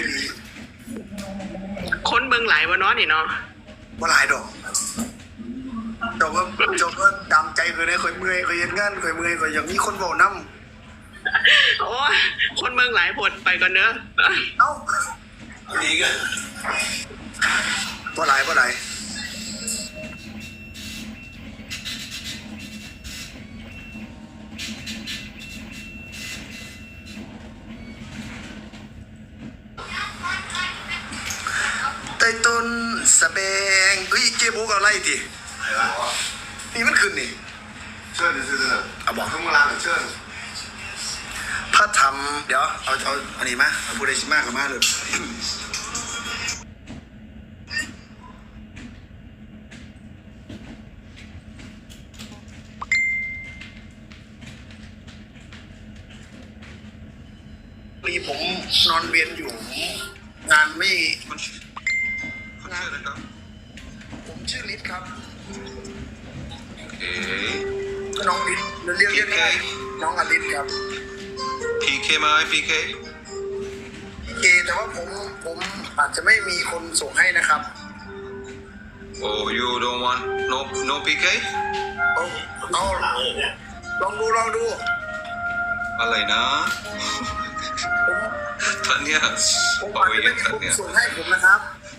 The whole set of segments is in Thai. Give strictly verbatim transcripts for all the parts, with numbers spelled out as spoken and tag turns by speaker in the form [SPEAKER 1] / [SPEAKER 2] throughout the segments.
[SPEAKER 1] หลี
[SPEAKER 2] คนเมืองหลายวะเนาะนี่เนาะ
[SPEAKER 1] ว่าหลายดอกจบว่าจบว่าดำใจเคยได้เคยเมื่อยเคยเย็นงานเคยเมื่อยเคยอย่างนี้คนบอกน้ำ
[SPEAKER 2] โอ้ยคนเมืองหลายผดไปก่อนเนอะ
[SPEAKER 1] เอ้า
[SPEAKER 3] ดีกัน
[SPEAKER 1] ว่าหลายว่าหลายใต้ต้นสะแบงเฮ้ยเจ๊บุ๊กเอาไล่ดิ
[SPEAKER 3] อะไรวะ
[SPEAKER 1] นี่มันขึ้นนี่
[SPEAKER 3] เชิญเชิญเชิญ
[SPEAKER 1] เอาบอก
[SPEAKER 3] ข้างล่างเชิญ
[SPEAKER 1] พระธรรมเดี๋ยวเอาเอาอันนี้มาเอาพูดได้มากกับมากเลยมีผมนอนเวียนอยู่ งานไม่
[SPEAKER 3] คุณชื่ออะไรครับ
[SPEAKER 1] ผมชื่อลิศครับ
[SPEAKER 3] โอเค
[SPEAKER 1] น้องลิศเรียกเรียกง่ายน้องอลิศครับ
[SPEAKER 3] พีเคไหมพีเค
[SPEAKER 1] เอแต่ว่าผมผมอาจจะไม่มีคนส่งให้นะครับ
[SPEAKER 3] โอ้ you don't want no no พีเค
[SPEAKER 1] เอาเอาลองดูลองดู
[SPEAKER 3] อะไรนะ
[SPEAKER 1] ผม
[SPEAKER 3] ท่านเนี่ย
[SPEAKER 1] ผม
[SPEAKER 3] บอ
[SPEAKER 1] อาจ
[SPEAKER 3] ก
[SPEAKER 1] จะ
[SPEAKER 3] ว่า
[SPEAKER 1] ไม่
[SPEAKER 3] อย่าง
[SPEAKER 1] มี
[SPEAKER 3] ท่านเนี่ย
[SPEAKER 1] คนส่งให้ผมนะครับ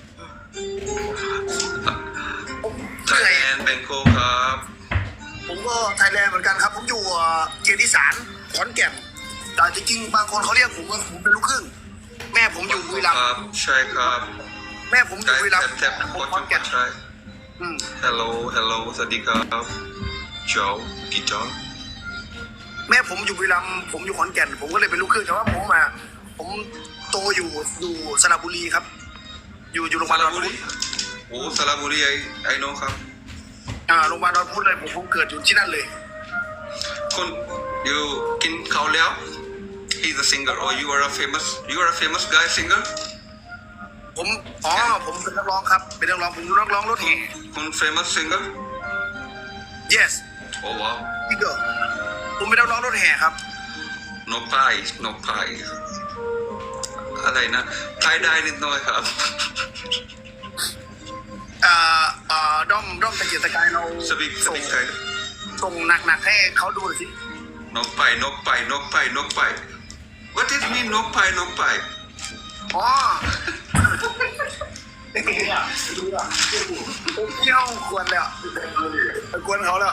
[SPEAKER 1] ผม
[SPEAKER 3] ไท
[SPEAKER 1] ชื่อย อะไร
[SPEAKER 3] แลนด์แบงโกครับ
[SPEAKER 1] ผมก็ไทยแลนด์เหมือนกันครับ ผมอยู่เอ่อเกียรติสารขอนแก่นแต่จริงๆบางคนเขาเรียกผมว่าผมเป็นลูกครึ่งแม่ผมอยู่บุรีรัม
[SPEAKER 3] ครั
[SPEAKER 1] ย์
[SPEAKER 3] บใช่ครับ
[SPEAKER 1] แม่ผมอยู่บุรีรัมย์
[SPEAKER 3] แท็บ
[SPEAKER 1] ผ
[SPEAKER 3] โค
[SPEAKER 1] ม
[SPEAKER 3] ต
[SPEAKER 1] ขอนแก่น
[SPEAKER 3] ใช่
[SPEAKER 1] อืม
[SPEAKER 3] hello hello สวัสดีครับโจกี่จอ
[SPEAKER 1] แม่ผมอยู่บุรีรัมย์ผมอยู่ขอนแก่นผมก็เลยเป็นลูกครึ่งแต่ว่าผมมาผมโตอยู่อยู่สระบุรีครับ อยู่อยู่โรงพยาบาล
[SPEAKER 3] ส
[SPEAKER 1] ด
[SPEAKER 3] ระ
[SPEAKER 1] อน
[SPEAKER 3] บุ
[SPEAKER 1] พุ
[SPEAKER 3] รี
[SPEAKER 1] ธ
[SPEAKER 3] โอ้สระบุรีไอไอโนครับ
[SPEAKER 1] อ่าโรงพยาบาลดอนพุธเลยผมผมเกิดอยู่ที่นั่นเลย
[SPEAKER 3] คุณอยู่กินข้าวแล้ว he's a singer or you are a famous you are a famous guy singer
[SPEAKER 1] ผมอ๋อผมเป็นนักร้องครับเป็นนักร้องผมนักร้องรถแห่
[SPEAKER 3] คุณ famous singer
[SPEAKER 1] yes
[SPEAKER 3] โอ้ว้าว
[SPEAKER 1] พี่เกิร์ผมเป็นนักร้องรถแห่ครับ
[SPEAKER 3] นกพายนกพายอะไรนะไทยได้นิดหน่อยครับ
[SPEAKER 1] อ่าอ่าด้อมด้อมตะเกียกตะกายเรา
[SPEAKER 3] สปิกส
[SPEAKER 1] ส่ง
[SPEAKER 3] ปิกไทย
[SPEAKER 1] ส่งหนักๆให้เขาดูหน่อยสิ
[SPEAKER 3] นกไปนกไปนกไปนกไป what is mean นกไปนกไป
[SPEAKER 1] อ๋อผมเที่ยวควรแล้วควรเขาแล้ว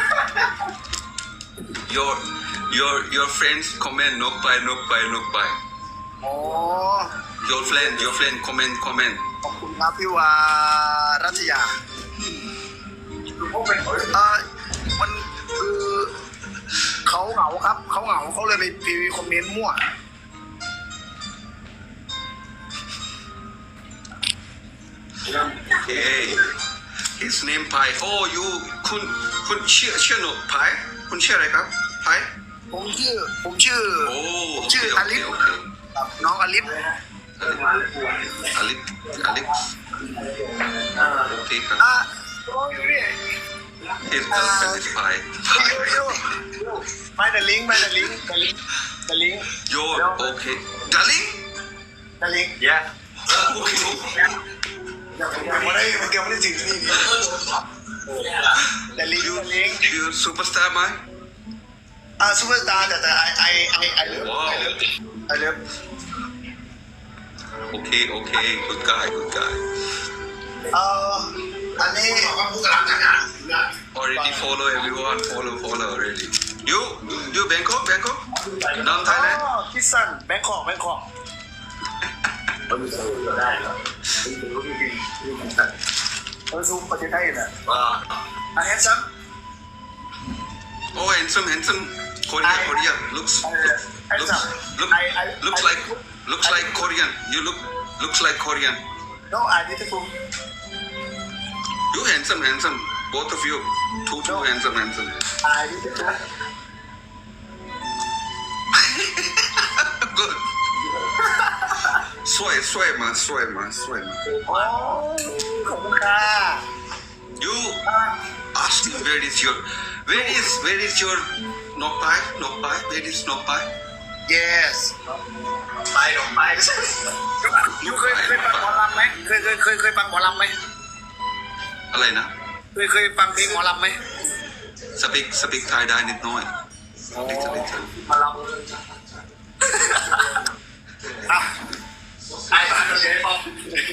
[SPEAKER 3] your your your friends comment นกไปนกไปนกไป
[SPEAKER 1] อ๋อ
[SPEAKER 3] your friend your friend comment comment
[SPEAKER 1] ขอบคุณครับพี่วารัตยาเอ่อมันคือเขาเหงาครับเขาเหงาเขาเลยไปพีวีคอมเมนต์มั่ว
[SPEAKER 3] okay his name พาย oh you คุณคุณชื่อชื่อหนูพายคุณชื่ออะไรครับพาย
[SPEAKER 1] ผมชื่อผมชื่อ
[SPEAKER 3] โอ้
[SPEAKER 1] ผม
[SPEAKER 3] โอเค
[SPEAKER 1] ชื่อ
[SPEAKER 3] โอ
[SPEAKER 1] อ
[SPEAKER 3] เค
[SPEAKER 1] ลิฟ
[SPEAKER 3] โอเค
[SPEAKER 1] ครับน้องอลิฟ
[SPEAKER 3] อลิฟอลิฟโอเคครับ
[SPEAKER 1] อ่ะ
[SPEAKER 3] his girlfriend is พายพาย
[SPEAKER 1] ไม่แต่ลิงก์ไม่แต่ลิงก์แต่ลิงก์แต่ลิงก์
[SPEAKER 3] yo okay darling
[SPEAKER 1] แต่ลิงก์
[SPEAKER 3] yeah okay
[SPEAKER 1] เดี๋ยวผมยังไม่ได้ผมยังไม่ได้ถึงที่นี่แต่ลิงก์
[SPEAKER 3] you
[SPEAKER 1] แต่ลิงก์
[SPEAKER 3] you superstar ไหม
[SPEAKER 1] อ่าซูเปอร์สตาร์แต่แต่ไอไอไอไอเลิฟ
[SPEAKER 3] ว้าว
[SPEAKER 1] ไอเลิฟ
[SPEAKER 3] okay okay good guy good guy
[SPEAKER 1] เอ่ออันนี้
[SPEAKER 3] already follow everyone follow follow already you you Bangkok Bangkok non Thailand
[SPEAKER 1] อ๋อคิสซันแบงคอกแบงคอกเราซูมประเทศไทยนะอ่ะเห็นซ้
[SPEAKER 3] oh handsome handsome Korean Korean looks looks look looks like looks like Korean you look looks like Korean
[SPEAKER 1] ำ no I need to prove
[SPEAKER 3] you handsome handsome both of you two two handsome handsome
[SPEAKER 1] I need to prove
[SPEAKER 3] good สวยสวยมาสวยมาสวยมา
[SPEAKER 1] โอ้ขอบคุณค่ะ
[SPEAKER 3] you ask me where is your where is where is your nok pai nok pai where is nok pai
[SPEAKER 1] yes ไปลงไปอลำไหม
[SPEAKER 3] อะไรนะ
[SPEAKER 1] เคยเคยฟังเพลงหมอลำไหม
[SPEAKER 3] สปิกสปิกไทยได้นิดหน่อยนิดนิด
[SPEAKER 1] หมอลำอ่ะไอ้บ้านเราเลยป๊อป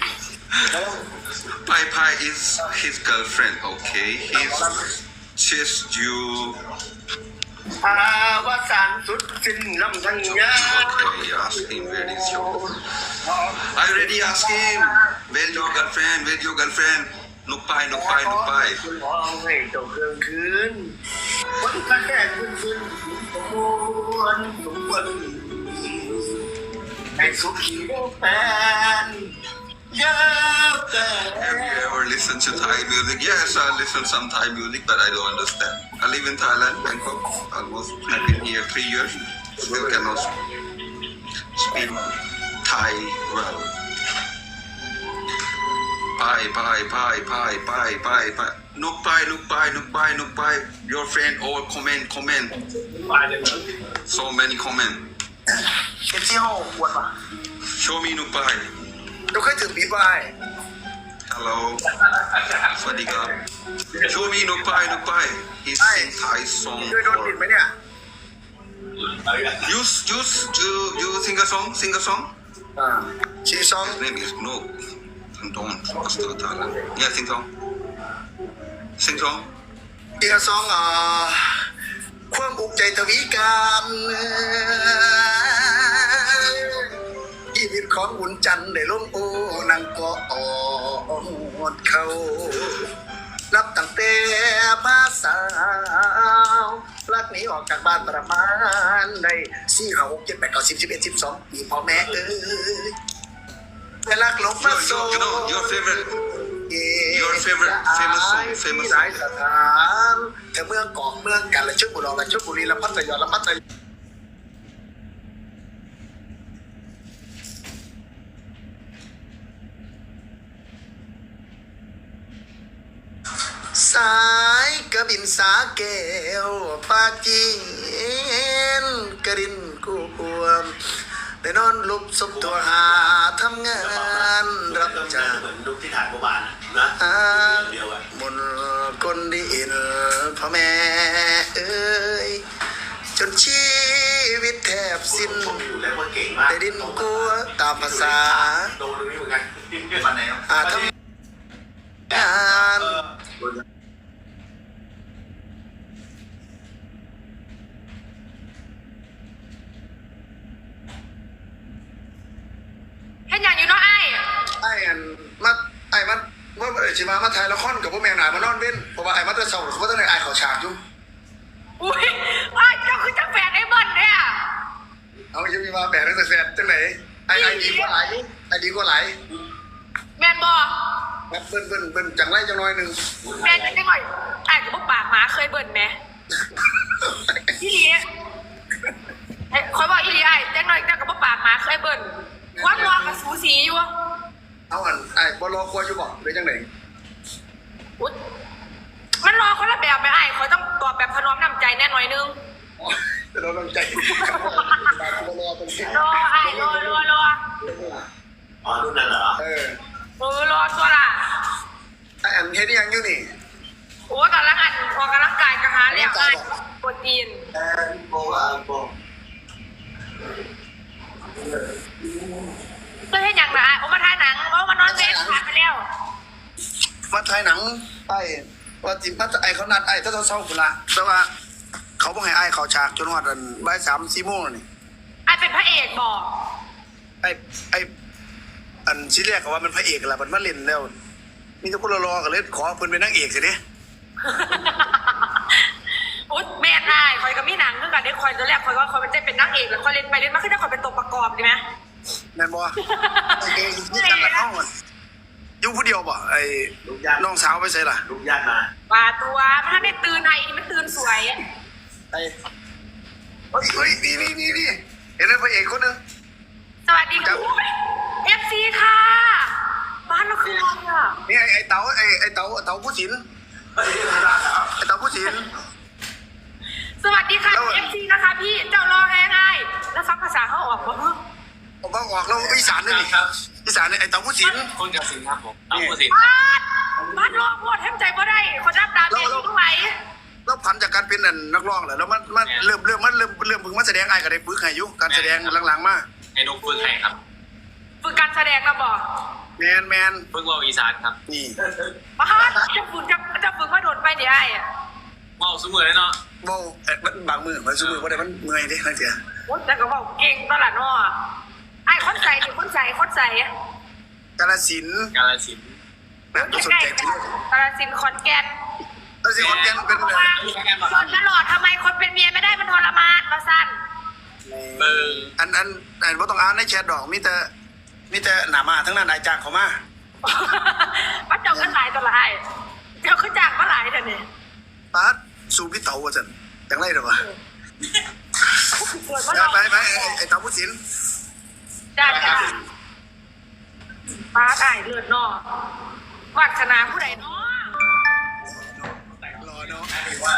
[SPEAKER 3] Pai Pai is his girlfriend okay he's just you
[SPEAKER 1] อาวสานสุดสิ้นลำทั้งยา
[SPEAKER 3] okay ask him where is your I already asked him where your girlfriend where your girlfriend นุกไปนุกไปนุกไป
[SPEAKER 1] คุณมองให้เจ้าเครื่องคืนคนกระแทกขึ้นขึ้นสมควรสมควรให้สุขีแฟนเยอะเกิน
[SPEAKER 3] Have you ever listened to Thai music? Yes, I listen some Thai music, but I don't understand. I live in Thailand, Bangkok. Almost I've been here three years. Still cannot speak Thai well. Bye, bye, bye, bye, bye, bye, bye. Look bye, look bye, look bye, look bye. Your friend all comment, comment. So many comment.
[SPEAKER 1] เอ็นซีโฮปวดป่ะ
[SPEAKER 3] Show me look bye.
[SPEAKER 1] เราเคยถึงปีบาย
[SPEAKER 3] Hello. สวัสดีครับ Show me look bye, look bye. He sing Thai song.
[SPEAKER 1] เคยโดนปิดไหมเนี่ย
[SPEAKER 3] You, you, you, you sing a song, sing a song.
[SPEAKER 1] อ่าชีซอง
[SPEAKER 3] His name is No. Don't. Astaghfirullah. Yeah, sing song. Sing song.
[SPEAKER 1] ชีซองอ่าความอุกใจทวีการชีวิตของบุญจันทร์ได้ลงโอ้นางก็อ่อนเขานับตั้งแต่ภาษาวรักหนีออกจากบ้านประมาณได้สี่ห้าหกเจ็ดแปดเก้าสิบสิบเอ็ดสิบสองปีพ่อแม่เอ้ยแต่รักหลงมา
[SPEAKER 3] You,
[SPEAKER 1] โซ่
[SPEAKER 3] you, you know your favorite, your favorite famous song, famous
[SPEAKER 1] หลาย
[SPEAKER 3] song.
[SPEAKER 1] สถานแต่เมืองเกาะเมืองกาฬสินธุ์บุรีรัมย์ชลบุรีลำพัทยาลำพัทยาสายกระบินสาแก้วปาจีนกระดินกูปวมได้นอนลุกสมตัวหาทำงานรับจ้าง
[SPEAKER 4] เหมือนลูกที่ถ่ายเมื่อวานนะ
[SPEAKER 1] อ่า
[SPEAKER 4] เดียวอ่ะ
[SPEAKER 1] บนก้นดินพ่อแม่เอ้ยจนชีวิตแทบสิ้น
[SPEAKER 4] ผมอยู่แล้วว่าเก่งมาก
[SPEAKER 1] แต่ดินกลัวตามภาษา
[SPEAKER 4] โดนตรงนี้เหมือนกันวันไหน
[SPEAKER 1] อาทำงาน
[SPEAKER 5] เห็นอย่างอยู่เนาะไอ้
[SPEAKER 1] ไอ้อันมาไอ้มันว่าเออชิมามาถ่ายละครกับพวกแม่หนามานอนเว้นเพราะว่าไอ้มาแต่เช้าเขาต้องในไอ้เขาฉากอยู่
[SPEAKER 5] อุ้ยไอ้เจ้าคือเจ้าแฟนไอ้เบิ้ลเนี่ย
[SPEAKER 1] เอาจะมีมาแบกตั้งแต่แสนจังไหนไอ้ไอ้ดีกว่าหลายไอ้ดีกว่าหลาย
[SPEAKER 5] แมนบอ
[SPEAKER 1] แบบเบิ้นเบิ้นเบิ้นจังไรจังน้อยหนึ่ง
[SPEAKER 5] แมนจังหน่อยไอ้กับพวกปากหมาเคยเบิ้ลไหมอีหลีไอ้คอยบอกอีหลีไอ้จังหน่อยจังกับพวกปากหมาเคยเบิ้ลความรอกับสูสีอยู่
[SPEAKER 1] เอาอันไอ้บอลรอกลัวอยู่บอกหรือจังไหน
[SPEAKER 5] อุ๊ยมันรอคนละแบบไหมไอ้เขาต้องตอบแบบพน้อมนำใจแน่หน่อยนึง
[SPEAKER 1] แต่เราต้องใจบอลรอเป็นที่
[SPEAKER 5] รอไอ้รอรอรอ
[SPEAKER 4] อ๋อรุ่นนั้นเหรอ
[SPEAKER 1] เออ
[SPEAKER 5] เออรอตัวละ
[SPEAKER 1] ไอ้อันเฮ็ดยังอยู่นี่
[SPEAKER 5] โอ้กำลังอันออกกำลังกายกระหาแล้วไอ้โปรตีน
[SPEAKER 1] แอนโบอาโบ
[SPEAKER 5] เพื่อให้อย่างไรโอ้มาถ่ายหนังโอ้มานอนเวฟผ่านไปแล้ว
[SPEAKER 1] มาถ่ายหนังไอ้ว่าจิพัดไอ้เขานัดไอ้ถ้าเขาเศร้าคุณละแต่ว่าเขาบอกให้ไอ้เขาฉากจนว่าดันบ่ายสามสี่โมงนี่
[SPEAKER 5] ไอ้เป็นพระเอกบอก
[SPEAKER 1] ไอ้ไอ้อันชิ้นแรกก็ว่ามันพระเอกละมันมาเล่นแล้ว มีแต่คนรอๆกันเลยขอเพิ่นเป็นนางเอกสิเนี่ย
[SPEAKER 5] อุ๊ยแม่นายคอยกับมีหนังคือกันได้คอยตัวแรกคอยก็คอยเป็นเต้นเป็นนักเอกแล้วคอยเล่นไปเล่นมาขึ้นได้คอยเป็นตัวประกอบดีไหม
[SPEAKER 1] แม่นบ่โอเคนี่กันละเอ้าอยู่ผู้เดียวบ่ไอ้
[SPEAKER 4] ลูกญาติ
[SPEAKER 1] น้องสาวไปใส่ล่ะ
[SPEAKER 4] ลูกญาติมา
[SPEAKER 5] ป่าตัวมันถ้าได้ตื่นไอ้นี่มันตื่นสวย
[SPEAKER 1] ไอ้เฮ้ยเฮ้ยนี่นี่นี่นี่เห็นไหมพระเอกคนนึง
[SPEAKER 5] สวัสดีค่ะเอฟซีค่ะบ้านเราคืออะไรอ่ะ
[SPEAKER 1] นี่ไอ้ไอ้เต๋าไอ้ไอ้เต๋าเต๋าผู้ศิลป์
[SPEAKER 4] เฮ้ยนี่รักเหรอ
[SPEAKER 1] ไอ้เต๋าผู้ศิลป์
[SPEAKER 5] สวัสดีค่ะ
[SPEAKER 1] แล้ว
[SPEAKER 5] เอฟซีนะคะพี่เจ้ารอแห้งไงแล้วฟังภาษาเขาออกปะ
[SPEAKER 1] ผมว่าออกแล้วอีสานนี่นี่อีสานเนี่ยไอ้เต่าผู้สิน
[SPEAKER 4] คนกับสินครับผมเอาผู้สิน
[SPEAKER 5] บาดบาดร้องโคตรแทบใจบ่ได้คนรับดาเมจทุกไหว
[SPEAKER 1] แล้วพันจากการเป็นนั่นนักร้องแหละแล้วมันมันเริ่มเริ่มมันเริ่มเริ่มพึงมาแสดงไอ้ก็ได้ฝึกให้อยู่การแสดงหลังๆมา
[SPEAKER 4] ให้นกฝึกให้ครับ
[SPEAKER 5] ฝึกการแสดงนะบอก
[SPEAKER 1] แมนแมน
[SPEAKER 4] ฝึกว่าอีสานครับ
[SPEAKER 1] นี่
[SPEAKER 5] บาดจะฝึกจะจะฝึกมาโดนไปเดี๋ยวไอ้อะ
[SPEAKER 4] ว่าสมือเลยเนาะ
[SPEAKER 1] เว้าเอ๊ะมันบางมือมันซุมือบ่ได้มันเมื่อยเด้นั่นเสีย
[SPEAKER 5] โอ้แต่ก็บอกเก่งตลอดเนาะไอ้คนใส่หรือคนใส่คนใส่
[SPEAKER 1] กาฬสินธุ์
[SPEAKER 4] กาลสินธุ์
[SPEAKER 1] น่ะต้องสน
[SPEAKER 5] ใกล้
[SPEAKER 1] ใจ
[SPEAKER 5] ๆ
[SPEAKER 1] ที่
[SPEAKER 5] กาฬสินธุ์ขอนแก่น
[SPEAKER 1] กาฬสินธุ์คนแก่นเป็น
[SPEAKER 5] เพราะ
[SPEAKER 1] เอ่
[SPEAKER 5] ว่า
[SPEAKER 1] อ
[SPEAKER 5] จนตลอดทำไมคนเป็นเมียไม่ได้มันทรมานมาสั้น
[SPEAKER 4] เบอร์
[SPEAKER 1] อันอันอันบ่ต้องอ่านในแชทดอกมีแต่มีแต่หน้ามาทั้งนั้นนายจ้างเขามา
[SPEAKER 5] ว่าเจ้ากันหลายตัวละไอ้เจ้าขึ้นจากมาหลายแต่เนี่ย
[SPEAKER 1] ปาดสู่พี่เต๋าว่าซั่นจังไรเด้อวะ
[SPEAKER 5] เกิดว่า
[SPEAKER 1] จ้า
[SPEAKER 5] เรา
[SPEAKER 1] ไปไปไอ้ไอ้เต๋าผู้สิน
[SPEAKER 5] จ้าจ้าป้าได้เลือดนอกวัฒนาผู้ใดเนาะ
[SPEAKER 1] รอเนาะ
[SPEAKER 4] ว่า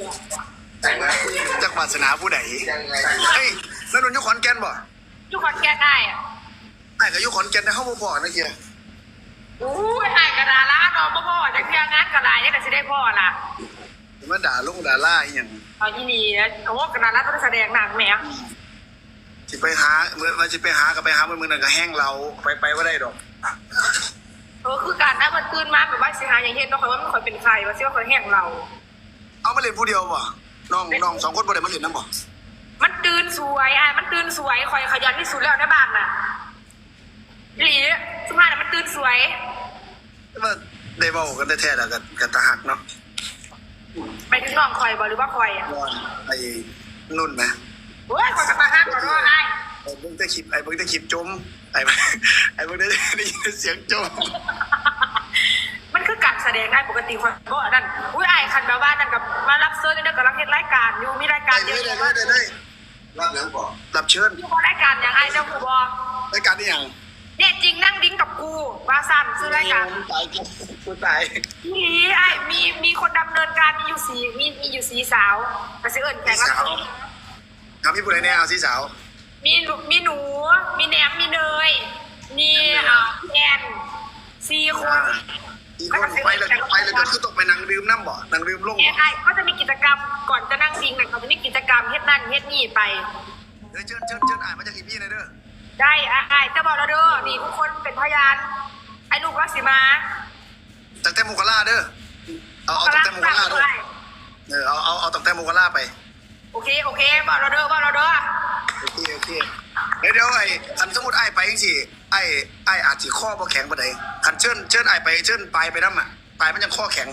[SPEAKER 1] จักวาสนาผู้ใดเฮ้ยแล้วนนท์อยู่ขอนแก่นบ่
[SPEAKER 5] ทุกคนแก้ได้อะ
[SPEAKER 1] ไอ้ก็อยู่ขอนแก่นแต่เฮาบ่พอนะเกีย
[SPEAKER 5] อู้ยไอ้กระดาล้านอนพ่อๆจากเที่ยงงานกระดายังแต่สิได้พ่อล่ะ
[SPEAKER 1] มาด่าลงด่าล่าอีหยัง
[SPEAKER 5] เอาอีนี่นะเขาว่ากระดาล้านต้องแสดงหนังแหม
[SPEAKER 1] สิไปหาเมื่อว่าสิไปหาก็ไปหาเมื่อมื้อนั้นก็แห้งเราไปไปบ่ได้ดอก
[SPEAKER 5] เออคือการนะมันตื่นมาแบบว่าสิหาอย่างเห็นเนาะคอยว่ามันคอยเป็นใครว่าสิว่าคอยแห้งเรา
[SPEAKER 1] เอามาเล่นผู้เดียวบ่น้องน้องสองคนบ่ได้มาเล่นนำบ่
[SPEAKER 5] มันตื่นสวยไอ้มันตื่นสวยคอยขยันที่สุดแล้วในบ้านน่ะหลีสุภาพน่ะมันตื่นสวย
[SPEAKER 1] ว่าได้เว้ากันแท้ๆแล้วก็ก็ตาหักเนาะ
[SPEAKER 5] ไปถึงน้องคอยบ่หรือว่าคอยอ่ะ
[SPEAKER 1] ว่าไอ้นุ่นนะ
[SPEAKER 5] โอ้ยคอยกระตาห้ามก่อนว่าไอ้
[SPEAKER 1] ไอ้เบิ่งแต่คลิปไอ้เบิ่งแต่คลิปจมไอ้ไอ้เบิ่งได้ได้ยินเสียงจม
[SPEAKER 5] มันคือการแสดงได้ปกติคนก็นั่นอุ้ยไอ้คันแบบว่านั่นกับมารับเซิร์ชนี่เด็กกำลังเห็นรายการอยู่มีรายการ
[SPEAKER 1] ได้
[SPEAKER 5] เย
[SPEAKER 1] เล
[SPEAKER 5] อะ
[SPEAKER 1] ย
[SPEAKER 5] แยะ
[SPEAKER 1] ได้
[SPEAKER 5] มาก
[SPEAKER 1] เลยได้เลย
[SPEAKER 4] รับแล้วบอก
[SPEAKER 1] รับเชิญ
[SPEAKER 5] อยู่บนรายการอย่างไอ้เจ้าผู้บอ
[SPEAKER 1] รายการนี้หยัง
[SPEAKER 5] เนี่ยจริงนั่งดิ้งกับกูว่าสั้นซื้อรายการ
[SPEAKER 1] ตายกูกูตาย
[SPEAKER 5] นี่ไอ้มีมีคนดำเนินการมีอยู่สีมีมีอยู่สีสาวแต่ซื้อเอิญแขกรับเชิญ
[SPEAKER 1] ถามพี่ผู้ใดแน่เอาสิสาว
[SPEAKER 5] มีหนูมีหนู มีแหนมมีเนยมีอ่าพี่แอนสี่คน
[SPEAKER 1] อีกคนไปแล้วไปแล้วก็คือต้องไปนั่งดื่มน้ำบ่นั่งดื่มลง
[SPEAKER 5] แอ
[SPEAKER 1] บ่
[SPEAKER 5] นไอ้ก็จะมีกิจกรรมก่อนจะนั่งดิ้งเนี่ยเขาจะมีกิจกรรมเฮ็ดนั่นเฮ็ดนี่ไป
[SPEAKER 1] เดี๋ยวเชิญเชิญเชิญอ่านมาจากอีพี่หน่อยเด้อ
[SPEAKER 5] ได้ไอ้จะบอกแล้วเด้อนี่ทุกคนเป็นพยานไอ้ลูกรักสิมา
[SPEAKER 1] ตั้งแต่โมกราเด้อเอาเอาตั้งแต่โมกราเด้อเออเอาเอาเอาตั้งแต่โมกราไป
[SPEAKER 5] โอเคโอเคบอกเราเด้อบอกเราเด้อ
[SPEAKER 1] โอเคโอเคเดี๋ยวเดี๋ยวไอ้คันสมมุติไอ้ไปจังซี่ไอ้ไอ้อาจสิข้อบ่แข็งปานใดคันเชิญเชิญไอ้ไปเชิญปลายไปนำอ่ะปลายมันยังข้อแข็ง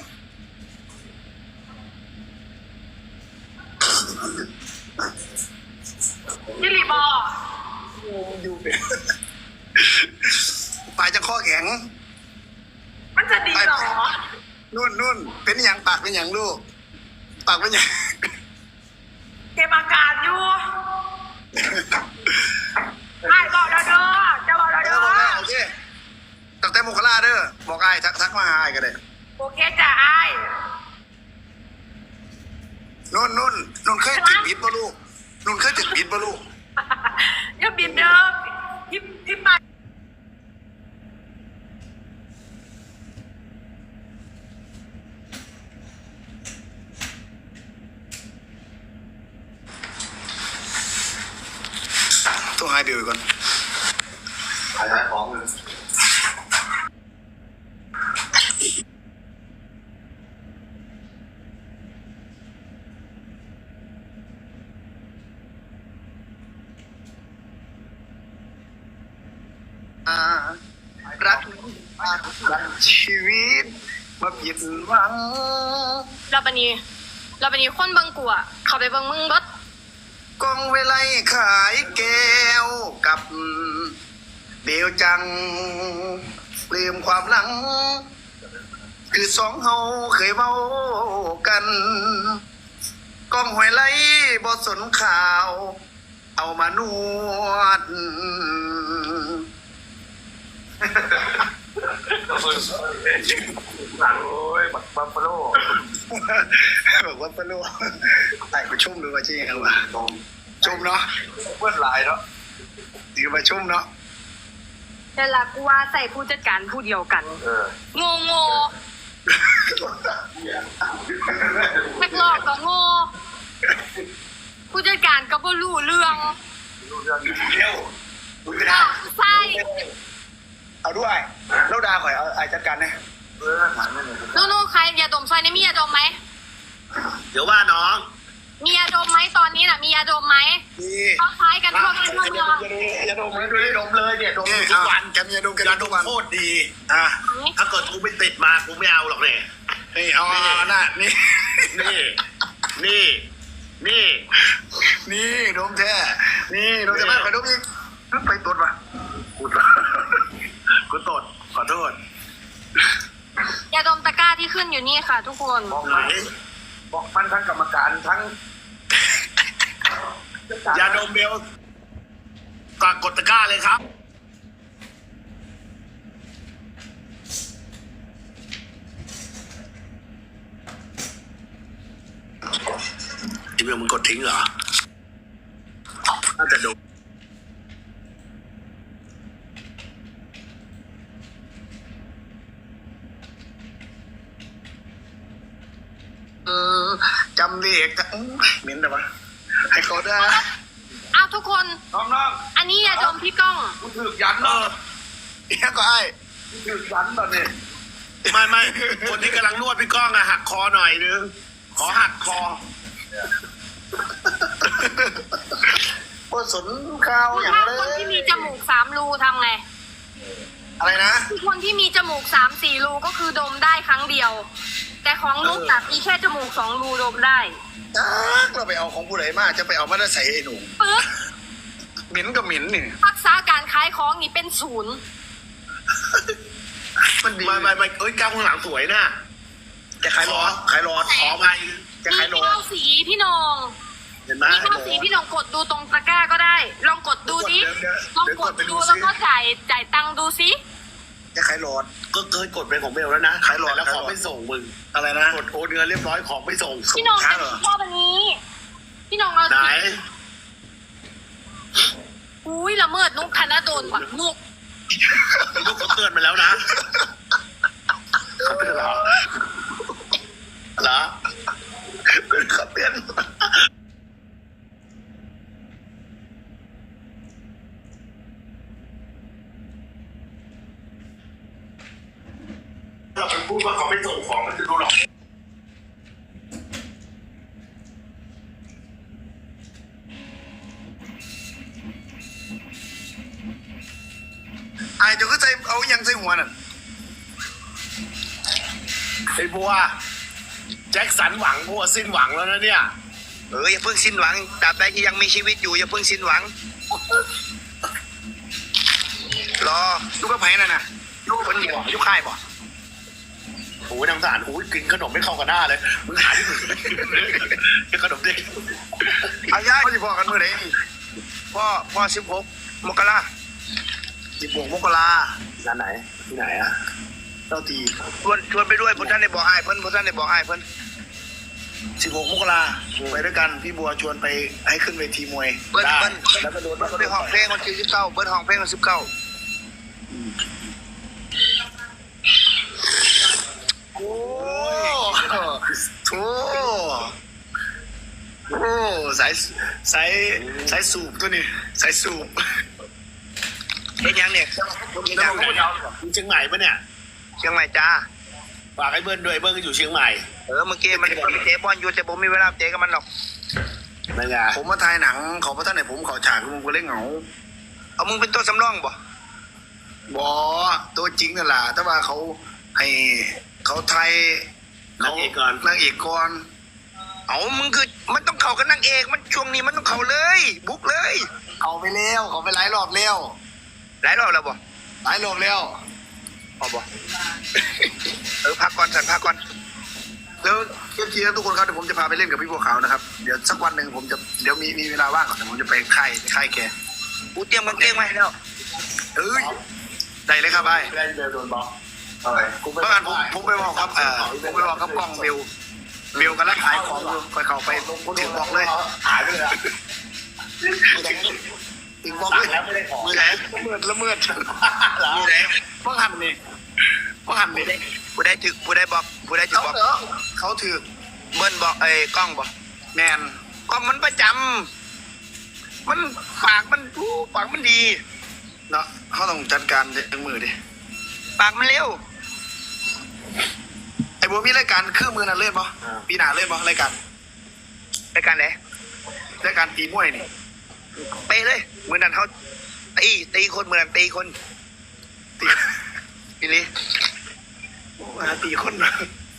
[SPEAKER 5] ยิริบอ
[SPEAKER 1] อยู่เป็นปลายจะข้อแข็ง
[SPEAKER 5] มันจะดีเหรอ
[SPEAKER 1] นู่นนู่นเป็นหยังปากเป็นหยังลูกปากเป็นหยัง
[SPEAKER 5] เก็บอาการอยู่ไอ้บอกเราเด้อจะบอกเรา
[SPEAKER 1] เอ
[SPEAKER 5] เด้
[SPEAKER 1] อ
[SPEAKER 5] อ
[SPEAKER 1] บอกแล้วโอเคตั้งแต่โมกราเด้อบอกไอ้ทักทักมาหาไอ้ก็ได้
[SPEAKER 5] โอเคจ้ะไอ้
[SPEAKER 1] นุ่นนุ่นนุ่นเคยติดบิดป่ะลูกนุ่นเคยติดบิดป่ะลูก
[SPEAKER 5] อย่าบินเด้อพี่พี่ไป
[SPEAKER 1] ต้องให้เบลก่อน
[SPEAKER 4] ขายของเลย
[SPEAKER 1] อ่ารักรักชีวิตมาผิดหวัง
[SPEAKER 6] เราปนี้เราปนี้คนเบิงกูอะเขาไปเบิงมึงรถ
[SPEAKER 1] กองเวไลขายแก้วกับเบลจังลืมความหลัง คือสองเฮาเคยเว้ากันกองหวยไล่บ่สนข่าว เอามานวด
[SPEAKER 4] โอ้ยบักบัฟฟาโล
[SPEAKER 1] บอกว่าปะลูกไอ้ไปชุ่มดูว่าจริงยังวะ
[SPEAKER 4] ตรง
[SPEAKER 1] ชุ่มเนาะ
[SPEAKER 4] เพื่อนหลายเนาะ
[SPEAKER 1] ถือมาชุ่มเนาะ
[SPEAKER 6] แต่ละกูว่าใส่ผู้จัดการผู้เดียวกัน
[SPEAKER 4] เออ
[SPEAKER 6] โง่โง่นักหลอกก็โง่ผู้จัดการก็บ่รู้เรื่อง
[SPEAKER 4] รู้เรื่องนี้
[SPEAKER 1] เร็วคุณไม่ได้
[SPEAKER 6] อ้าวใช่
[SPEAKER 1] เอาด้วยแล้วดาข่อยเอาไอ้จัดการนะ
[SPEAKER 4] เออถามไม่เลย
[SPEAKER 6] นู่นๆใครยาดมซอยนี่มียาดมไหม
[SPEAKER 1] เดี๋ยวว่าน้อง
[SPEAKER 6] มียาดมไหมตอนนี้น่ะมียาดมไหม
[SPEAKER 1] นี่
[SPEAKER 6] เขาคล้ายกันทั่วบ้านทั่วเมือง
[SPEAKER 1] อย่าดมเลยด้วยดมเลยเนี่ยดมทุกวันแกมียาดมแก
[SPEAKER 7] ยา
[SPEAKER 1] ด
[SPEAKER 7] ด
[SPEAKER 1] มทุ
[SPEAKER 7] ม
[SPEAKER 1] กวัน
[SPEAKER 7] โคตรดี อ่ะ ถ้าเกิดกูไม่ติดมากูไม่เอาหรอกเนี่ย
[SPEAKER 1] นี่เอาเอาน่ะนี่
[SPEAKER 7] นี่ นี่ นี่
[SPEAKER 1] นี่ดมแท้นี่ดมจะไม่ข่อยดมอีกนึกไปตรวจว่ะ
[SPEAKER 7] กูตดกูตดขอโทษ
[SPEAKER 6] ยาดมตะกร้าที่ขึ้นอยู่นี่ค่ะ ทุกคน
[SPEAKER 4] บอก
[SPEAKER 7] ไหน
[SPEAKER 4] มันบอกมันทั้งกรรมการทั้ง
[SPEAKER 7] ยาดมเบลกดกดตะกร้าเลยครับ อีเมลมึงกดทิ้งเหรอ น่าจะดม
[SPEAKER 1] เออจำเลขจะอื้อเหม็นแต่ว่าให้เขาได้
[SPEAKER 6] อ้าวทุกคน
[SPEAKER 4] น้องน้อง
[SPEAKER 6] อันนี้ยาดมพี่ก้อง
[SPEAKER 4] กูถือยันเนาะ
[SPEAKER 1] เนี่ยก็ไอ้
[SPEAKER 4] กูถือยันตอนนี้
[SPEAKER 7] ไม่ไม่คนที่กำลังนวดพี่ก้องอะหักคอหน่อยนึง ขอหักคอ
[SPEAKER 1] พอสนข้าวอย่าง
[SPEAKER 6] ถ้า
[SPEAKER 1] เล
[SPEAKER 6] คน
[SPEAKER 1] ย
[SPEAKER 6] ที่มีจมูกสามรูทำไง
[SPEAKER 1] อะไรนะ
[SPEAKER 6] คือคนที่มีจมูกสามสี่รูก็คือดมได้ครั้งเดียว แต่ของนุ๊กอะมีแค่จมูกสองรูดมได้
[SPEAKER 1] จักเราไปเอาของผู้ใดมาจะไปเอามาได้ใส่ไอ้หนู
[SPEAKER 6] ปึ๊บ
[SPEAKER 1] เหม็นกับเหม็นนี่
[SPEAKER 6] ทักษะการขายของนี่เป็นศูนย์
[SPEAKER 1] มันดี
[SPEAKER 7] ไม่ไม่ไม่เอ้ยก้าวข้างหลังสวยนะ
[SPEAKER 1] จะขายรอขายรอ
[SPEAKER 7] ขอไป
[SPEAKER 1] จะ
[SPEAKER 6] มี
[SPEAKER 1] ขายรอ
[SPEAKER 6] เก้าสีพี่นง
[SPEAKER 7] เห็นไหม
[SPEAKER 6] มีเก้าสีพี่นงกดดูตรงตะกร้าก็ได้ ลองกดดูดิ
[SPEAKER 1] เดี๋ยว
[SPEAKER 6] ลอง
[SPEAKER 1] เดี๋ยว
[SPEAKER 6] กด
[SPEAKER 1] ไป
[SPEAKER 6] ดู
[SPEAKER 1] สิ
[SPEAKER 6] แล้วก็จ่ายจ่ายตังค์ดูสิ
[SPEAKER 1] จะขายรอ
[SPEAKER 7] ก็เคยกดเป็นของเบลแล้วนะ
[SPEAKER 1] ขายหลอด
[SPEAKER 7] แล้ว
[SPEAKER 1] ขาย
[SPEAKER 7] ข
[SPEAKER 1] หล
[SPEAKER 7] อ
[SPEAKER 1] อด
[SPEAKER 7] ไม่ส่งมึง
[SPEAKER 1] อะไรนะ
[SPEAKER 7] กดโอนเงินเรียบร้อยของไม่ส่ง
[SPEAKER 6] พี่นง
[SPEAKER 1] ช้า
[SPEAKER 6] จะ
[SPEAKER 1] เหรอ
[SPEAKER 6] ชอบอันนี้ พี่นงเอา
[SPEAKER 7] ไหน
[SPEAKER 6] สิอุ้ยละเมิดนุกธนดลว่ะนุก
[SPEAKER 7] ลูกเขาเตือนมาแล้วนะเขาเตือนเหรอเหรอ
[SPEAKER 1] เป็นขับเตือน
[SPEAKER 7] เราไปพูดว่าเขาไม่ส่งของมันจะดูหรอก
[SPEAKER 1] ไอ้เจ้าก็ใจเอายังใส่หัวน่ะ
[SPEAKER 7] ไอ้บัวแจ็คสันหวังบัวสิ้นหวังแล้วนะเนี่ย
[SPEAKER 1] เอออย่าเพิ่งสิ้นหวังตราบใดที่ยังมีชีวิตอยู่อย่าเพิ่งสิ้นหวังรอลูกกระไผ่น่ะนะลูกคนเดียวลูกค่ายบ่
[SPEAKER 7] โอ้ยนางสารโอ้ยกินขนมไม่เข้ากับหน้าเลยมึงหาที่มึงกินขนมดิ
[SPEAKER 1] เอาย่าพ่อจะพอกันเมื่อไหร่นี่พ่อพ่อสิบหกมกราสิบหกมกรา
[SPEAKER 7] ร้านไหนที่ไหนอ่ะ
[SPEAKER 1] เจ้าทีชวนชวนไปด้วยพท่านได้บอกไอ้ายเพิ่นพท่านได้บอกไอ้ายเพิ่นสิบหกมกราไปด้วยกันพี่บัวชวนไปให้ขึ้นเวทีมวยเบิ้ลเบิ้ล
[SPEAKER 7] แล้วก็โดน
[SPEAKER 1] เบิ้ลได้ห้องเพลงวันที่สิบเก้าเบิ้ลห้องเพลงวันสิบเก้าโอ้โหโอ้สายสายสายสูบตัวนี้สายสูบเป็นยังเนี่ย
[SPEAKER 7] เชียงใหม่เชียงใหม่ปะเนี่ย
[SPEAKER 1] เชียงใหม่จ้า
[SPEAKER 7] ฝากให้เบิ้ลด้วยเบิ้ลก็อยู่เชียงใหม่
[SPEAKER 1] เออเมื่อกี้มันไปเตะบอลอยู่แต่ผมไม่มีเวลาเตะกับมันหรอก
[SPEAKER 7] นั่นไง
[SPEAKER 1] ผมมาถ่ายหนังเขาพระท่านไหนผมเขาฉากมึงก็เล่นเหงาเอามึงเป็นตัวสำรองบ่บอตัวจริงนั่นแหละแต่ว่าเขาให้เขาไทย
[SPEAKER 7] นางเอกก่อน
[SPEAKER 1] นางเอกก่อนเอามึงคือมันต้องเข้ากับนางเอกมันช่วงนี้มันต้องเข้าเลย บุกเลยเขาไปเร็วเขาไปหลายรอบเร็วหลายรอบแล้วบ่หลายรอบแล้วพอบ่ เออพักก่อนสันพักก่อนแล้วเมื่อกี้ทุกคนครับเดี๋ยวผมจะพาไปเล่นกับพี่บัวขาวนะครับเดี๋ยวสักวันหนึ่งผมจะเดี๋ยวมีมีเวลาว่างก่อนเดี๋ยวผมจะไปค่ายค่ายแกกูเตรียมกางเกงมาให้แล้วเอ้ยได้เลยครับไอ้
[SPEAKER 7] เล่นเบลโดนบล็อก
[SPEAKER 4] อะไร
[SPEAKER 1] เมื่อวานผมผมไปบอกครับเออผมไปบอกครับกล้องเบลเบลกันแล้วขายของอยู่คอยเข้าไปถึงบอกเลย
[SPEAKER 7] หายไปเลยอ่ะ
[SPEAKER 1] ถอีกบอก
[SPEAKER 7] สั่
[SPEAKER 1] เล
[SPEAKER 7] ง
[SPEAKER 1] ย
[SPEAKER 7] แล้วไม่ได้ของ
[SPEAKER 1] มือไหนละเมิดละเมิด
[SPEAKER 7] เหรอ
[SPEAKER 1] มือไหนพ่อหันนี่พ่อหันนี่
[SPEAKER 8] ผู้ได้ถึกผู้ได้บอกผู้ได้ถึก
[SPEAKER 1] เขา
[SPEAKER 8] บอก
[SPEAKER 1] เหรอเขาถือ
[SPEAKER 8] เบิ้ลบอกเอ้ยกล้องบอก
[SPEAKER 1] แมน
[SPEAKER 8] กล้องมันประจำมันปากมันอู้ปากมันดี
[SPEAKER 1] เนาะเขาต้องจัดการจังมือดิ
[SPEAKER 8] ปากมันเร็ว
[SPEAKER 1] ไอ้บัวมีรายการคือมือนั่นเล่นปะปีหน้าเล่นปะรายการ
[SPEAKER 8] รายการไหน
[SPEAKER 1] รายการตีมวยนี่
[SPEAKER 8] ไปเลยมือนั้นเขาตีตีคนมือนั้นตีคน
[SPEAKER 1] ตี
[SPEAKER 8] อีหลี
[SPEAKER 1] มาตีคนนะ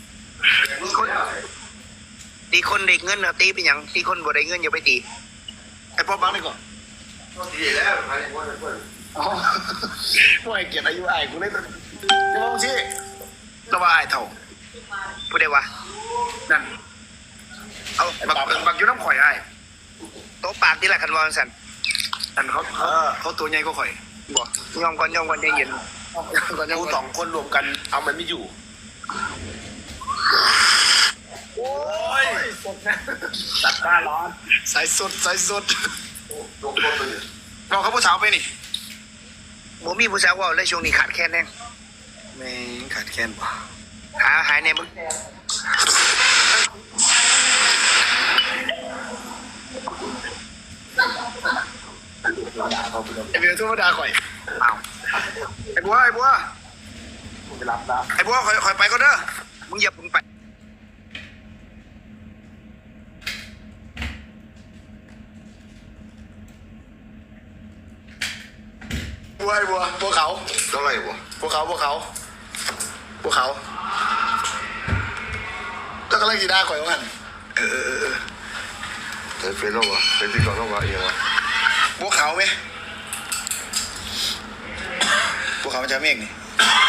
[SPEAKER 8] ตีคนเด็กเงินเอาตีไปหยังตีคนบ่ได้เงินอย่าไปตี
[SPEAKER 1] ไอ้พ่อบังนี่ก่อน
[SPEAKER 4] ดีแล้วใครว่าเพื่อน
[SPEAKER 1] อ๋อมวยเกียรติอายุไอ้กูเลยจะมองสิระว่าไอ้เท่า
[SPEAKER 8] ผู้ใดวะ
[SPEAKER 1] นั่น
[SPEAKER 8] เอา
[SPEAKER 1] บั
[SPEAKER 8] บั
[SPEAKER 1] ก
[SPEAKER 8] ก
[SPEAKER 1] บักอยู่น้ำข่อยไอ้
[SPEAKER 8] โต๊ะปากที่ละคันวอนสัน
[SPEAKER 1] อันเขาเขาเขาตัวใหญ่ก็ข่อย
[SPEAKER 8] บอกยอมก่อนยอมก่อนใจเย็น
[SPEAKER 1] ก่อนยัง
[SPEAKER 7] กูสองคนรวมกันเอามันไม่อยู่
[SPEAKER 1] โอ้ย
[SPEAKER 7] ตัดหน้าร้อน
[SPEAKER 1] สายสดสายสด
[SPEAKER 4] ลงต้นไปเลย
[SPEAKER 1] บอกเขาผู้สาวไปนี่
[SPEAKER 8] บ่มีผู้สาวเว่าเลยช่วงนี้ขาดแคลนแน่
[SPEAKER 1] แม่งขาดแคลนป่ะ
[SPEAKER 8] หาหายในมึง
[SPEAKER 1] ไอ้เบียร์ธรรมดาข่อย
[SPEAKER 8] อ้าว
[SPEAKER 1] ไอ้บัวไอ้บัว
[SPEAKER 7] กูไปรับแล้ว
[SPEAKER 1] ไอ้บัวข่อยข่อยไปก็เด้อ
[SPEAKER 8] มึงอย่าพึ่งไป
[SPEAKER 1] บัวไอ้บัวบัวเขา
[SPEAKER 4] เท่าไหร่วะ
[SPEAKER 1] บัวเขาบัวเขาบัวเขาเจ้ากำลังกีดาข่อยว่างั้นเออเออเออ
[SPEAKER 4] แต่เป็นแล้ววะเป็นที่ก่อนแล้ววะเองวะ
[SPEAKER 1] บัวเขาไหมบัวเขามันจะเมฆนี่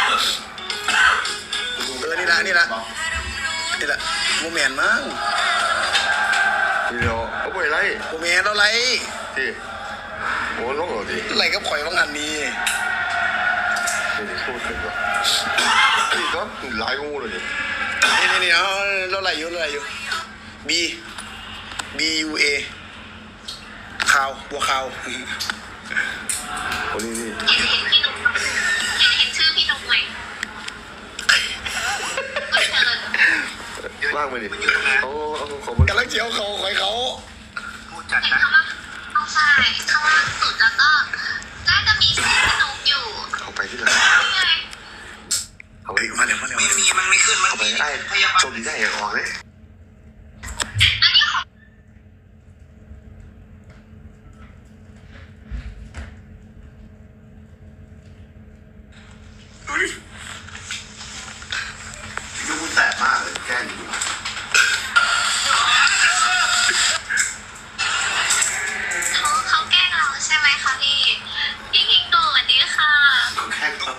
[SPEAKER 1] เออนี่ละนี่ละนี่ละโมเมนต์มั้ง
[SPEAKER 4] เดี๋ยวเอาไปไร
[SPEAKER 1] โมเมนต์อะไร
[SPEAKER 4] ที่โอ้ลงเหรอดิ
[SPEAKER 1] อะไรกับข่อยว่างั้นนี่
[SPEAKER 4] นี่พูดถึงวะนี่ก็หลายงูเลยดิ
[SPEAKER 1] นี่นี่นี่เอาเราอะไรอยู่เราอะไรอยู่ B B U A ขาวบัวขาว
[SPEAKER 4] โอ้นี่นี่
[SPEAKER 6] เห็นพี่นุ๊กเห็นชื่อพี่นุ๊กไหมก็เชิญ
[SPEAKER 4] ว่างไปดิเขาเขาเขามัน
[SPEAKER 1] กำลังเจียวเขาข่อยเขา
[SPEAKER 8] พูดจัด
[SPEAKER 6] เห็น
[SPEAKER 8] นะ
[SPEAKER 6] ข้างล่างเอาใช่ข้างล่างสุดแล้วก็น่าจะมีชื่อพี่นุ๊กอยู่
[SPEAKER 4] เขาไปที่ไหน
[SPEAKER 6] นี่ไง
[SPEAKER 4] เขา
[SPEAKER 1] เฮ้ยมาเร็วมาเร็ว
[SPEAKER 8] ไม่มีมันไม่ขึ้นมัน
[SPEAKER 4] เขาไป
[SPEAKER 8] มี
[SPEAKER 4] ไอ้
[SPEAKER 8] พยาบาล
[SPEAKER 4] ชมดีได้ออกเลย
[SPEAKER 6] อันนี้ของ
[SPEAKER 4] ยูมันแตกมากเลยแกล้งอยู่
[SPEAKER 6] เขาเขาแกล้งเราใช่ไหมคะพี่พี่คิงโตสวัสดีค่ะ
[SPEAKER 4] แค่ก็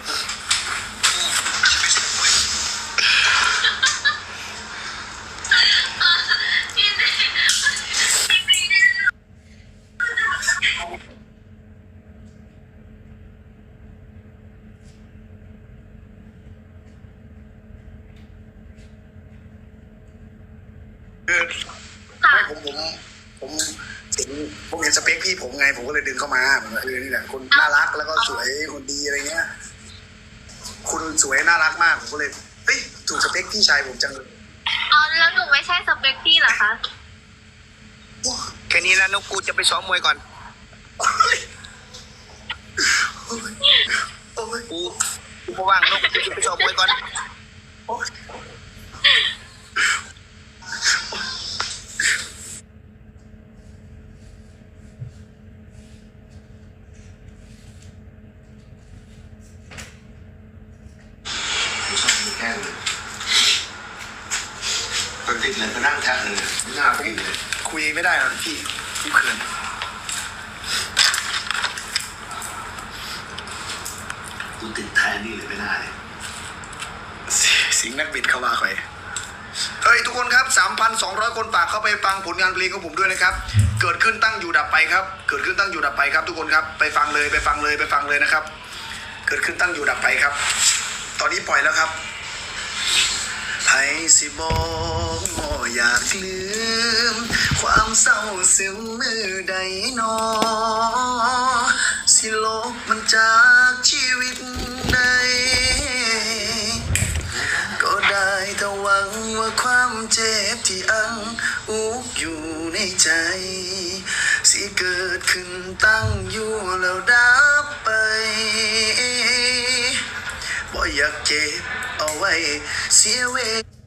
[SPEAKER 6] พี่เนพี่เน
[SPEAKER 1] คือ
[SPEAKER 6] ค่ะ
[SPEAKER 1] ไม่ผมผมผมเห็นผมเห็นสเปคพี่ผมไง ผมก็เลยดึงเข้ามาผมว่าเออนี่แหละคนน่ารักแล้วก็สวยคนดีอะไรเงี้ย คุณสวยน่ารักมากผมก็เลยเฮ้ยถูกสเปคพี่ชายผมจังเลย
[SPEAKER 6] อ๋อแล้วหนูไม่ใช่สเปคพี่เหรอคะ
[SPEAKER 8] แค่นี้แล้วนกกูจะไปซ้อมมวยก่อน
[SPEAKER 1] โอ้ยโอ้ย
[SPEAKER 8] กูกูเพราะว่างนกกูจะไปซ้อมมวยก่อน
[SPEAKER 1] โอ้ย
[SPEAKER 4] แกล้งเลยปกติเลยก็นั่งแทะเลยหน้าพี่เลย
[SPEAKER 1] คุยไม่ได้หรอกพี่พี่เขิน
[SPEAKER 4] กูติดแทนนี่เลยไม่ได้เลย
[SPEAKER 1] สิงห์นักบิดเข้ามาข่อยเฮ้ยทุกคนครับ สามพันสองร้อย คนฝากเข้าไปฟังผลงานเพลงของผมด้วยนะครับ เกิดขึ้นตั้งอยู่ดับไปครับ เกิดขึ้นตั้งอยู่ดับไปครับ ทุกคนครับ ไปฟังเลยไปฟังเลยไปฟังเลยนะครับ เกิดขึ้นตั้งอยู่ดับไปครับ ตอนนี้ปล่อยแล้วครับไผสิบอกบ่อยากลืมความเศร้าซึมมือใดหนอ สิลบมันจากชีวิตใดก็ได้แต่หวังว่าความเจ็บที่อังอุกอยู่ในใจ สิเกิดขึ้นตั้งอยู่แล้วดับไปบ่อยากเก็บเอาไว้เสียเวลา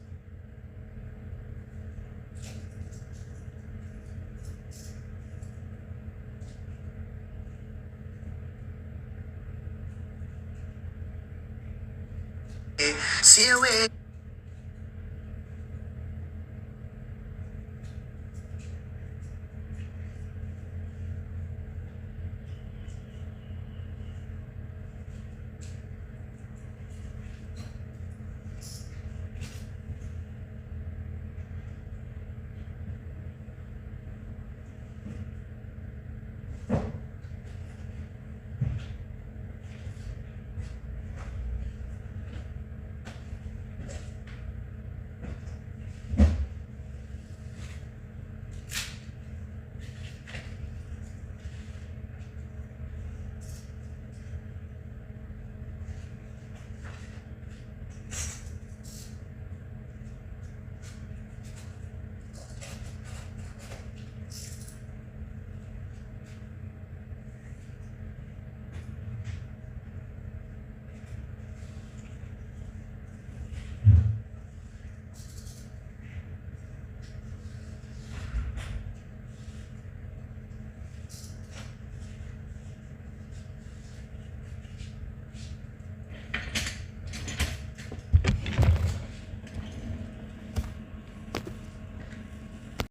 [SPEAKER 1] เสียเวลา